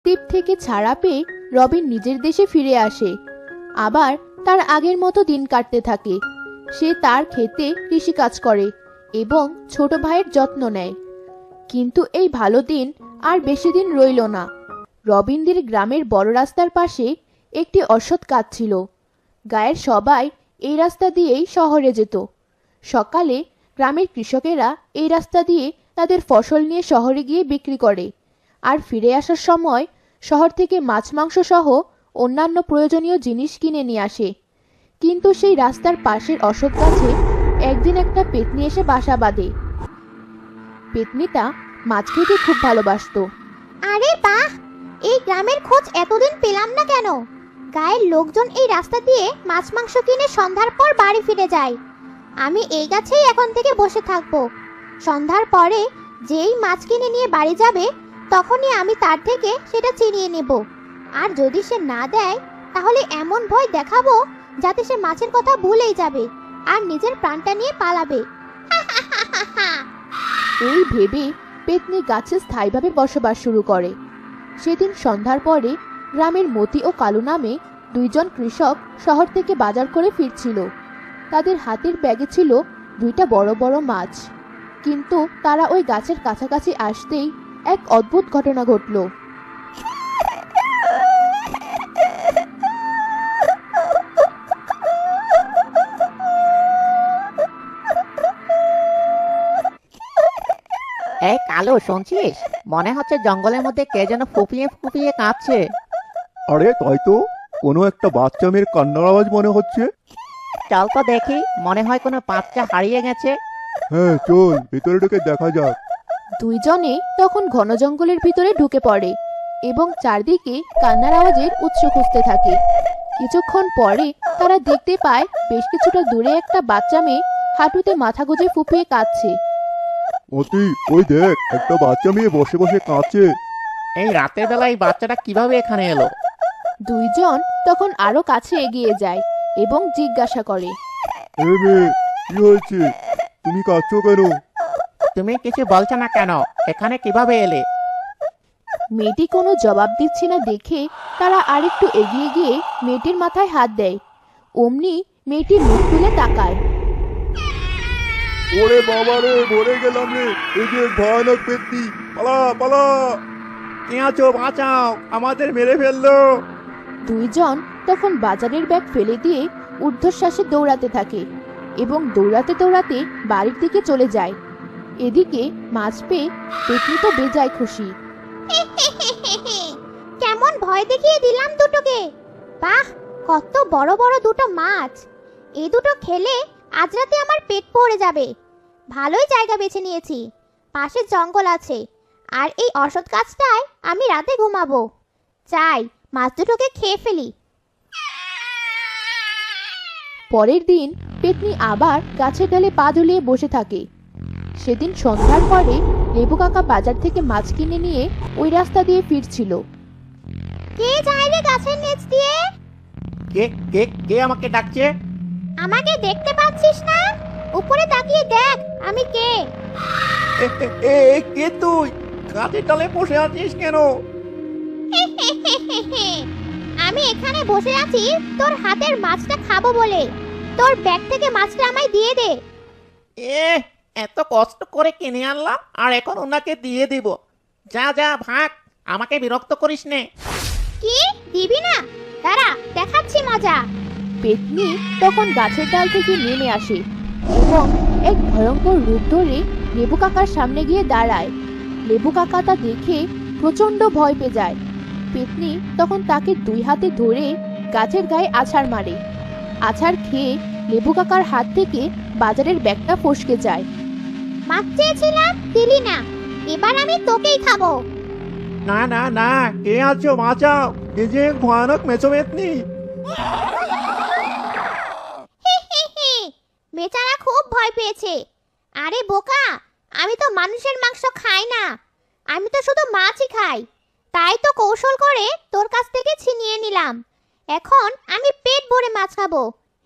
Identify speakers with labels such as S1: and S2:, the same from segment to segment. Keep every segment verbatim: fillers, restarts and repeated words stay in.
S1: দ্বীপ থেকে ছাড়া পেয়ে রবিন নিজের দেশে ফিরে আসে। আবার তার আগের মতো দিন কাটতে থাকে। সে তার ক্ষেতে কৃষিকাজ করে এবং ছোট ভাইয়ের যত্ন নেয়। কিন্তু এই ভালো দিন আর বেশি দিন রইল না। রবিনদের গ্রামের বড় রাস্তার পাশে একটি অশ্বত্থ গাছ ছিল। গায়ের সবাই এই রাস্তা দিয়েই শহরে যেত। সকালে গ্রামের কৃষকেরা এই রাস্তা দিয়ে তাদের ফসল নিয়ে শহরে গিয়ে বিক্রি করে, আর ফিরে আসার সময় শহর থেকে মাছ মাংস সহ অন্যান্য প্রয়োজনীয় জিনিস কিনে নিয়ে আসে। কিন্তু সেই রাস্তার পাশের অশ্বত্থ গাছে একদিন একটা পেতনি এসে বাসা বাঁধে। পেতনিটা মাছ খেতে খুব ভালোবাসতো।
S2: আরে বাহ, এই গ্রামের খোঁজ এতদিন পেলাম না কেন? গায়ের লোকজন এই রাস্তা দিয়ে মাছ মাংস কিনে সন্ধ্যার পর বাড়ি ফিরে যায়। আমি এই গাছেই এখন থেকে বসে থাকবো। সন্ধ্যার পরে যেই মাছ কিনে নিয়ে বাড়ি যাবে তখনই আমি তার থেকে সেটা চিনিয়ে নেব। আর যদি সে না দেয় তাহলে এমন ভয় দেখাবো যাতে সে মাছের কথা ভুলেই যাবে আর নিজের প্রাণটা নিয়ে পালাবে।
S1: এই ভেবে পেতনি গাছে স্থায়ীভাবে বসবাস শুরু করে। সেদিন সন্ধ্যার পরে গ্রামের মতি ও কালু নামে দুইজন কৃষক শহর থেকে বাজার করে ফিরছিল। তাদের হাতের ব্যাগে ছিল দুইটা বড় বড় মাছ। কিন্তু তারা ওই গাছের কাছাকাছি আসতেই এক অদ্ভুত ঘটনা ঘটল।
S3: এই কালু, শুনছিস? মনে হচ্ছে জঙ্গলের মধ্যে কে যেন ফুপিয়ে ফুপিয়ে কাঁদছে।
S4: আরে তাই তো, কোনো একটা বাচ্চা মেয়ের কান্নার আওয়াজ মনে হচ্ছে।
S3: চল তো দেখি, মনে হয় কোনো বাচ্চা হারিয়ে গেছে।
S4: হ্যাঁ চল, ভেতরে ঢুকে দেখা যাক।
S1: দুইজনে তখন ঘন জঙ্গলের ভিতরে ঢুকে পড়ে এবং চারদিকে কান্নার আওয়াজের উৎস খুঁজতে থাকে। কিছুক্ষণ পরে তারা দেখতে পায় বেশ কিছুটা দূরে একটা বাচ্চা মেয়ে হাঁটুতে মাথা গুঁজে ফুপিয়ে কাঁদছে।
S4: মতি, ওই দেখ, একটা বাচ্চা মেয়ে বসে বসে কাঁদছে।
S3: এই রাতের বেলায় বাচ্চাটা কিভাবে এখানে এলো?
S1: দুইজন তখন আরো কাছে এগিয়ে যায় এবং জিজ্ঞাসা করে,
S4: এ মেয়ে, কি হয়েছে? তুমি কাঁদছো কেন?
S3: তুমি কিছু বলছো না কেন? এখানে কিভাবে এলে?
S1: মেয়েটি কোনো জবাব দিচ্ছে না দেখে তারা আরেকটু এগিয়ে গিয়ে মেয়েটির মাথায় হাত দেয়। অমনি মেয়েটি মুখ তুলে তাকায়।
S4: ওরে বাবা রে, মরে গেলাম রে! এই যে ভয়ানক পেতনি, পালা পালা!
S5: কে আছো? বাঁচাও, আমাদের মেরে ফেললো।
S1: দুইজন তখন বাজারের ব্যাগ ফেলে দিয়ে ঊর্ধ্বশ্বাসে দৌড়াতে থাকে এবং দৌড়াতে দৌড়াতে বাড়ির দিকে চলে যায়। এদিকে মাছ পেয়ে পেতনি তো বেজায় খুশি।
S2: কেমন ভয় দেখিয়ে দিলাম দুটোকে! বাহ, কত বড় বড় দুটো মাছ! এই দুটো খেলে আজ রাতে আমার পেট ভরে যাবে। ভালোই জায়গা বেছে নিয়েছি, পাশে জঙ্গল আছে, আর এই অশ্বত্থ গাছটায় আমি রাতে ঘুমাবো। চাই মাছ দুটোকে খেয়ে ফেলি।
S1: পরের দিন পেতনি আবার গাছের ডালে পা ঝুলিয়ে বসে থাকে। সেদিন সন্ধ্যার পরে লেবু কাকা বাজার থেকে মাছ কিনে নিয়ে ওই রাস্তা দিয়ে ফিরছিল।
S2: কে যায় রে গাছের নিচ দিয়ে?
S5: কে কে কে আমাকে ডাকছে?
S2: আমাকে দেখতে পাচ্ছিস না? উপরে তাকিয়ে দেখ আমি কে।
S5: এ, এ, এ, এ, কে তুই? গাছের ডালে বসে আছিস কেন?
S2: আমি এখানে বসে আছি তোর হাতের মাছটা খাবো বলে। তোর ব্যাগ থেকে মাছটা আমায় দিয়ে দে।
S3: এ এত কষ্ট করে কিনে আনলাম আর এখন ওনাকে দিয়ে দিব? যা যা ভাগ, আমাকে বিরক্ত করিস নে।
S2: কি দিবি না? দাঁড়া, দেখাচ্ছি মজা।
S1: পেতনি তখন গাছের ডাল থেকে নেমে আসে এবং এক ভয়ঙ্কর রূপ ধরে লেবু কাকার সামনে গিয়ে দাঁড়ায়। লেবু কাকা তা দেখে প্রচন্ড ভয় পেয়ে যায়। পেতনি তখন তাকে দুই হাতে ধরে গাছের গায়ে আছাড় মারে। আছাড় খেয়ে লেবু কাকার হাত থেকে বাজারের ব্যাগটা ফসকে যায়।
S2: মাছ চেয়েছিলাম, দিলি না, এবার আমি তোকেই খাবো।
S5: না না না, কে আছো? বাঁচাও, এই যে ভয়ানক মেছো পেতনি।
S2: বেচারা খুব ভয় পেয়েছে। আরে বোকা, আমি তো মানুষের মাংস খাই না, আমি তো শুধু মাছই খাই। তাই তো কৌশল করে তোর কাছ থেকে ছিনিয়ে নিলাম। এখন আমি পেট ভরে মাছ খাবো।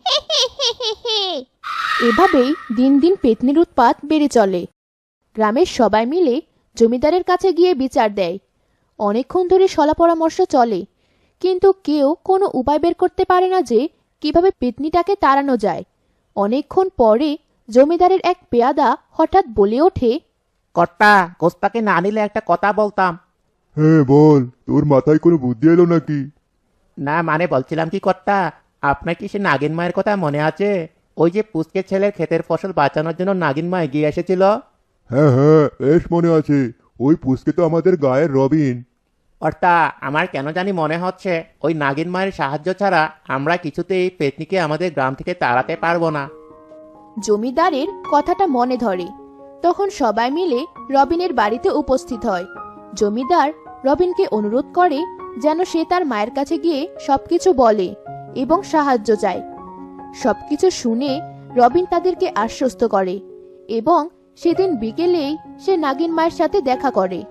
S1: এভাবেই দিন দিন পেতনির উৎপাত বেড়ে চলে। গ্রামের সবাই মিলে জমিদারের কাছে গিয়ে বিচার দেয়। অনেকক্ষণ ধরে সলা পরামর্শ চলে, কিন্তু কেউ কোনো উপায় বের করতে পারে না যে কিভাবে পেতনিটাকে তাড়ানো যায়। অনেকক্ষণ পরে জমিদারের এক পেয়াদা হঠাৎ বলে ওঠে,
S3: কর্তা, গোস্তাকে না নিলে একটা কথা বলতাম।
S4: হ্যাঁ বল, তোর মাথায় কোনো বুদ্ধি এলো নাকি?
S3: না মানে বলছিলাম কি কর্তা, আপনার কি সে নাগিন মায়ের কথা মনে আছে? ওই যে পুচকে ছেলের ক্ষেতের ফসল বাঁচানোর জন্য নাগিন মা এগিয়ে এসেছিল।
S4: হ্যাঁ হ্যাঁ, বেশ মনে আছে। ওই পুচকে তো আমাদের গায়ের রবিন।
S3: কর্তা, আমার কেন জানি মনে হচ্ছে ওই নাগিন মায়ের সাহায্য ছাড়া আমরা কিছুতেই এই পেতনিকে আমাদের গ্রাম থেকে তাড়াতে পারবো না।
S1: জমিদারের কথাটা মনে ধরে। তখন সবাই মিলে রবিনের বাড়িতে উপস্থিত হয়। জমিদার রবিনকে অনুরোধ করে যেন সে তার মায়ের কাছে গিয়ে সবকিছু বলে এবং সাহায্য চায়। সবকিছু শুনে রবিন তাদেরকে আশ্বস্ত করে এবং সেদিন বিকেলেই সে নাগিন মায়ের সাথে দেখা করে।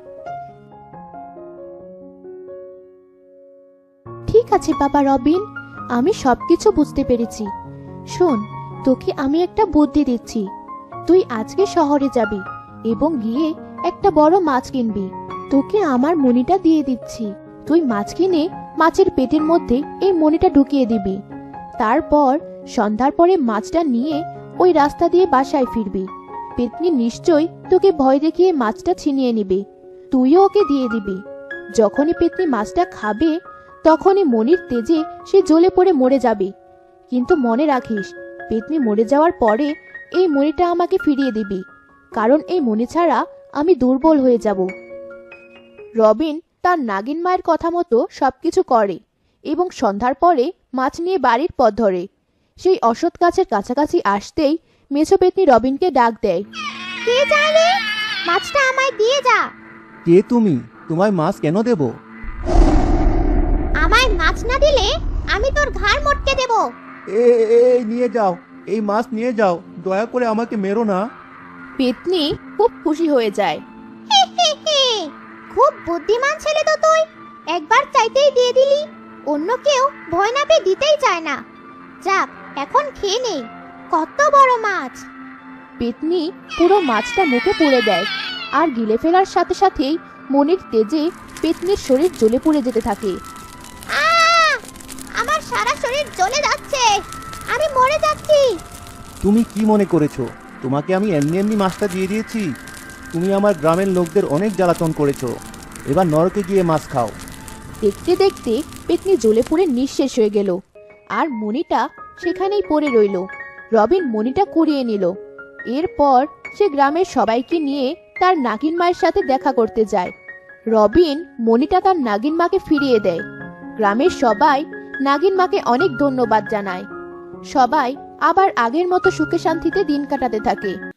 S1: ঠিক আছে বাবা রবিন, আমি সবকিছু বুঝতে পেরেছি। শোন, তোকে আমি একটা বুদ্ধি দিচ্ছি। তুই আজকে শহরে যাবি এবং গিয়ে একটা বড় মাছ কিনবি। তোকে আমার মণিটা দিয়ে দিচ্ছি। তুই মাছ কিনে মাছের পেটের মধ্যে এই মণিটা ঢুকিয়ে দিবি। তারপর সন্ধ্যার পরে মাছটা নিয়ে ওই রাস্তা দিয়ে বাসায় ফিরবি। পেতনি নিশ্চয়ই তোকে ভয় দেখিয়ে মাছটা ছিনিয়ে নিবে। তুইও ওকে দিয়ে দিবি। যখনই পেতনি মাছটা খাবে তখনই মণির তেজে সে জ্বলে পড়ে মরে যাবে। কিন্তু মনে রাখিস, পেতনি মরে যাওয়ার পরে এই মণিটা আমাকে ফিরিয়ে দিবি, কারণ এই মণি ছাড়া আমি দুর্বল হয়ে যাব। রবিন তার নাগিন মায়ের কথা মতো সবকিছু করে এবং সন্ধ্যার পরে মাছ নিয়ে বাড়ির পথ ধরে। সেই অসৎ গাছের কাছাকাছি আসতেই মেছো পেতনি রবিনকে ডাক দেয়।
S2: কে যায় রে? মাছটা আমায় দিয়ে যা।
S5: কে তুমি? তোমায় মাছ কেন দেব?
S2: আমায় মাছ না দিলে আমি তোর ঘাড় মটকে দেব।
S5: এ এ, এই নিয়ে যাও, এই মাছ নিয়ে যাও, দয়া করে আমাকে মেরো না।
S1: পেতনি খুব খুশি হয়ে যায়।
S2: হে হে হে, খুব বুদ্ধিমান ছেলে তো তুই। একবার চাইতেই দিয়ে দিলি। অন্য কেউ ভয় না পেয়ে দিতেই চায় না। যাক, এখন খেয়ে নেই। কত বড় মাছ!
S1: পেতনি পুরো মাছটা মুখে পুড়ে দেয় আর গিলে ফেলার সাথে সাথেই মনির তেজে পেতনির শরীর জ্বলে পুড়ে যেতে থাকে।
S2: আহ! আমার সারা শরীর জ্বলে যাচ্ছে। আমি মরে যাচ্ছি।
S5: তুমি কি মনে করেছো তোমাকে আমি এমনি এমনি মাছটা দিয়ে দিয়েছি? তুমি আমার গ্রামের লোকদের অনেক জ্বালাতন করেছো। এবার নরকে গিয়ে মাছ খাও।
S1: দেখতে দেখতে পেতনি জ্বলে পুড়ে নিঃশেষ হয়ে গেল আর মণিটা সেখানেই পড়ে রইল। রবিন মণিটা কুড়িয়ে নিল। এরপর সে গ্রামের সবাইকে নিয়ে তার নাগিন মায়ের সাথে দেখা করতে যায়। রবিন মণিটা তার নাগিন মাকে ফিরিয়ে দেয়। গ্রামের সবাই নাগিন মাকে অনেক ধন্যবাদ জানায়। সবাই আবার আগের মতো সুখে শান্তিতে দিন কাটাতে থাকে।